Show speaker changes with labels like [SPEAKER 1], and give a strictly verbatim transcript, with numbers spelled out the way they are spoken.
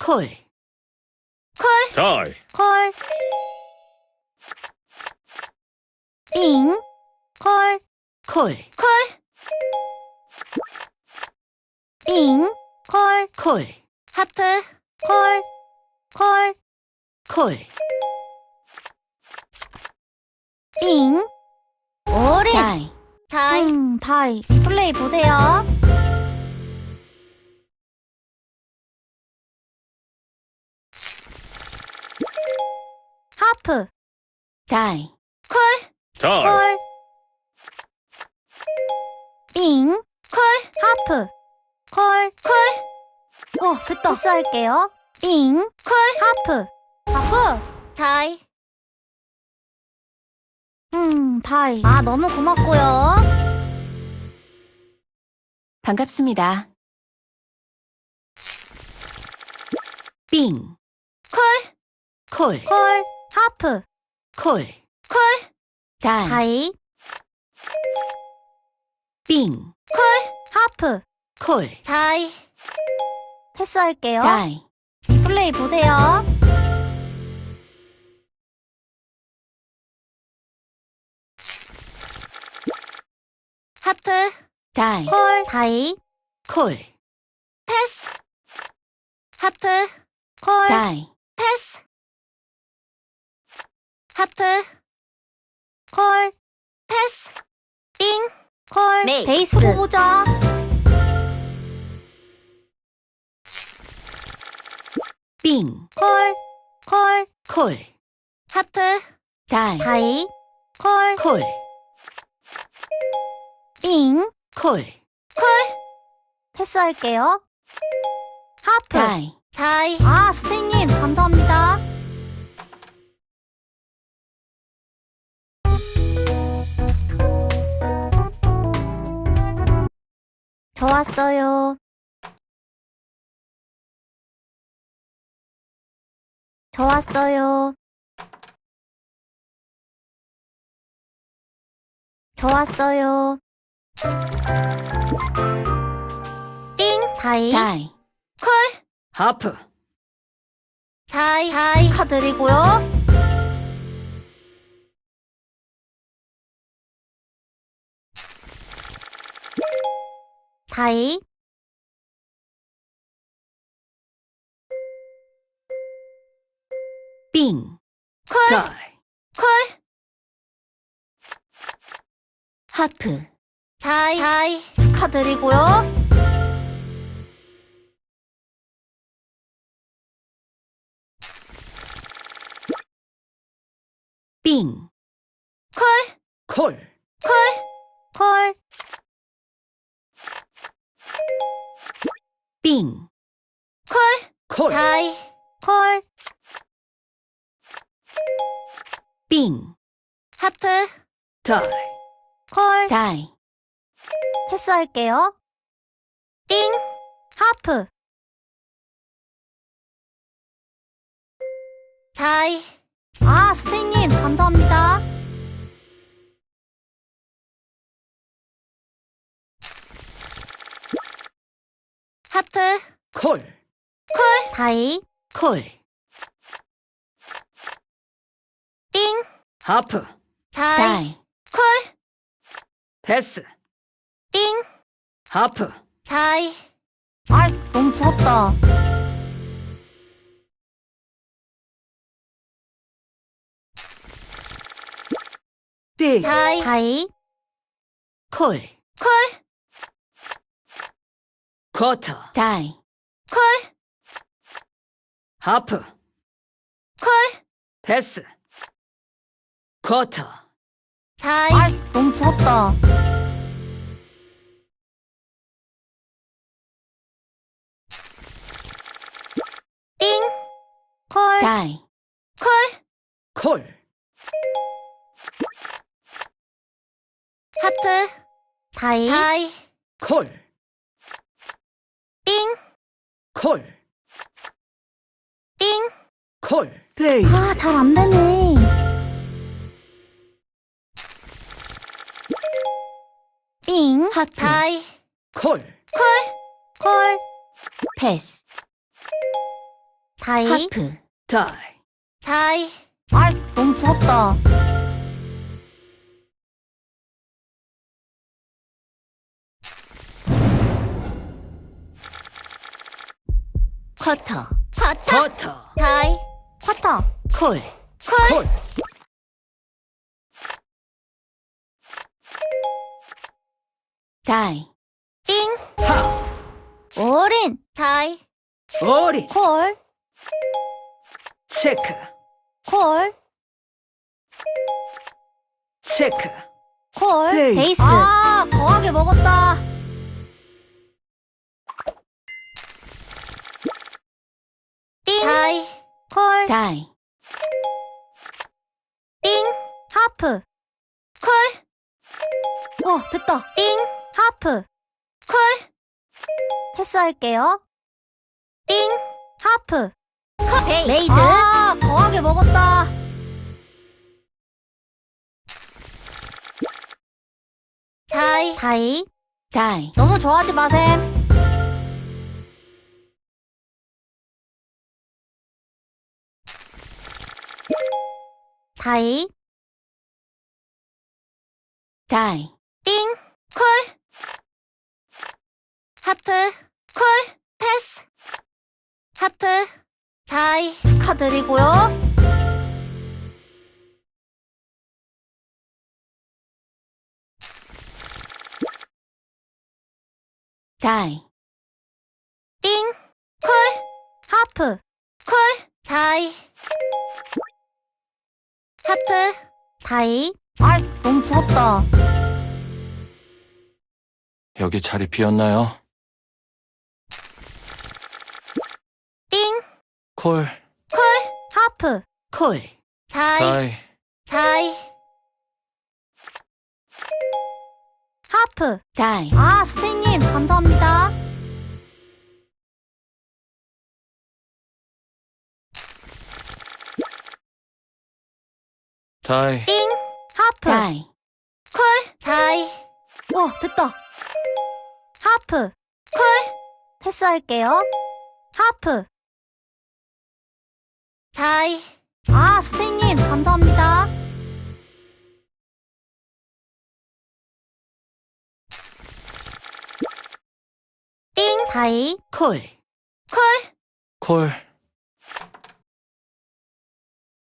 [SPEAKER 1] 콜,
[SPEAKER 2] 콜,
[SPEAKER 3] 다이,
[SPEAKER 2] 콜, 빙, 콜,
[SPEAKER 1] 콜,
[SPEAKER 2] 콜, 빙, 콜,
[SPEAKER 1] 콜,
[SPEAKER 2] 하프, 콜, 콜,
[SPEAKER 1] 콜,
[SPEAKER 2] 빙, 올인,
[SPEAKER 1] 다이,
[SPEAKER 2] 다이, 음, 다이. 플레이 보세요. 하프,
[SPEAKER 1] 다이,
[SPEAKER 2] 콜,
[SPEAKER 3] 다이,
[SPEAKER 2] 콜, 빙, 콜, 하프, 콜, 콜. 어, 됐다. 패스할게요. 빙, 콜, 하프, 하프, 다이. 음, 다이. 아, 너무 고맙고요.
[SPEAKER 1] 반갑습니다. 빙,
[SPEAKER 2] 콜,
[SPEAKER 1] 콜,
[SPEAKER 2] 콜, 하프,
[SPEAKER 1] 콜,
[SPEAKER 2] 콜,
[SPEAKER 1] 다이,
[SPEAKER 2] 다이,
[SPEAKER 1] 빙,
[SPEAKER 2] 콜, 하프,
[SPEAKER 1] 콜,
[SPEAKER 2] 다이. 패스할게요.
[SPEAKER 1] 다이,
[SPEAKER 2] 플레이 보세요. 하프,
[SPEAKER 1] 다이,
[SPEAKER 2] 콜, 다이,
[SPEAKER 1] 콜,
[SPEAKER 2] 패스. 하프, 콜,
[SPEAKER 1] 다이,
[SPEAKER 2] 패스. 하프, 콜, 패스. 빙, 콜,
[SPEAKER 1] 메이스.
[SPEAKER 2] 베이스 두고 보자.
[SPEAKER 1] 빙,
[SPEAKER 2] 콜, 콜,
[SPEAKER 1] 콜,
[SPEAKER 2] 하프,
[SPEAKER 1] 다이,
[SPEAKER 2] 다이, 콜,
[SPEAKER 1] 콜,
[SPEAKER 2] 빙,
[SPEAKER 1] 콜,
[SPEAKER 2] 콜. 패스할게요. 하프,
[SPEAKER 1] 다이,
[SPEAKER 2] 다이. 아, 선생님, 감사합니다. 좋았어요. 좋았어요. 좋았어요. 띵, 다이,
[SPEAKER 1] 다이,
[SPEAKER 2] 콜,
[SPEAKER 1] 하프,
[SPEAKER 2] 다이, 다이. 축하드리고요. 다이,
[SPEAKER 1] 빙,
[SPEAKER 2] 콜,
[SPEAKER 1] 다이,
[SPEAKER 2] 콜,
[SPEAKER 1] 하프,
[SPEAKER 2] 다이, 다이. 축하드리고요.
[SPEAKER 1] 빙,
[SPEAKER 2] 콜,
[SPEAKER 1] 콜,
[SPEAKER 2] 콜, 콜,
[SPEAKER 1] 빙,
[SPEAKER 2] 콜,
[SPEAKER 1] 콜,
[SPEAKER 2] 다이, 콜,
[SPEAKER 1] 빙,
[SPEAKER 2] 하프,
[SPEAKER 1] 다이,
[SPEAKER 2] 콜.
[SPEAKER 1] 다이,
[SPEAKER 2] 패스할게요. 띵, 하프, 다이. 아, 선생님, 감사합니다. 하프,
[SPEAKER 1] 콜,
[SPEAKER 2] 콜, 다이,
[SPEAKER 1] 콜,
[SPEAKER 2] 띵,
[SPEAKER 1] 하프,
[SPEAKER 2] 다이,
[SPEAKER 1] 다이,
[SPEAKER 2] 콜,
[SPEAKER 1] 패스,
[SPEAKER 2] 띵,
[SPEAKER 1] 하프,
[SPEAKER 2] 다이. 아, 너무 부럽다.
[SPEAKER 1] 띵,
[SPEAKER 2] 다이, 다이,
[SPEAKER 1] 콜,
[SPEAKER 2] 콜,
[SPEAKER 1] 쿼터, 다이,
[SPEAKER 2] 콜,
[SPEAKER 1] 하프,
[SPEAKER 2] 콜,
[SPEAKER 1] 패스, 쿼터,
[SPEAKER 2] 다이. 아, 너무 부럽다. 띵, 콜,
[SPEAKER 1] 다이,
[SPEAKER 2] 콜,
[SPEAKER 1] 콜,
[SPEAKER 2] 하프, 다이, 다이,
[SPEAKER 1] 콜,
[SPEAKER 2] 띵,
[SPEAKER 1] 콜,
[SPEAKER 2] 띵.
[SPEAKER 1] 콜, 베이스,
[SPEAKER 2] 아, 잘 안 되네. 띵,
[SPEAKER 1] 하프,
[SPEAKER 2] 다이,
[SPEAKER 1] 콜,
[SPEAKER 2] 콜, 콜,
[SPEAKER 1] 패스,
[SPEAKER 2] 다이. 하프.
[SPEAKER 1] 다이.
[SPEAKER 2] 다이. 아, 너무 부럽다. 쿼터. 쿼터.
[SPEAKER 1] 쿼터.
[SPEAKER 2] 다이. 쿼터.
[SPEAKER 1] 콜.
[SPEAKER 2] 콜.
[SPEAKER 1] 콜.
[SPEAKER 2] 다이. 띵.
[SPEAKER 1] 하.
[SPEAKER 2] 올인. 다이.
[SPEAKER 1] 오리.
[SPEAKER 2] 콜.
[SPEAKER 1] 체크.
[SPEAKER 2] 콜.
[SPEAKER 1] 체크.
[SPEAKER 2] 콜.
[SPEAKER 1] 베이스.
[SPEAKER 2] 베이스. 아, 거하게 먹었다. 띵. 다이. 콜. 다이. 띵. 하프. 콜. 어, 됐다. 띵. 하프. 콜. 패스할게요. 띵. 하프. 컷. 레이드. 아, 거하게 먹었다. 다이. 다이. 다이. 너무 좋아하지 마셈. 다이. 다이. 띵. 콜. 하프. 콜. 패스. 하프. 다이. 축하드리고요. 다이. 띵. 콜. 하프. 콜. 다이. 하프. 다이. 아, 너무 부럽다.
[SPEAKER 3] 여기 자리 비었나요?
[SPEAKER 2] 띵.
[SPEAKER 3] 콜,
[SPEAKER 2] 콜. 하프.
[SPEAKER 1] 콜.
[SPEAKER 2] 다이.
[SPEAKER 3] 다이,
[SPEAKER 2] 다이. 하프. 다이. 아, 선생님, 감사합니다.
[SPEAKER 3] 다이,
[SPEAKER 2] 띵. 하프. 다이. 콜. 다이. 와, 됐다. 하프. 콜. 패스할게요. 하프. 다이. 아, 선생님, 감사합니다. 띵. 다이.
[SPEAKER 1] 콜.
[SPEAKER 2] 콜.
[SPEAKER 3] 콜,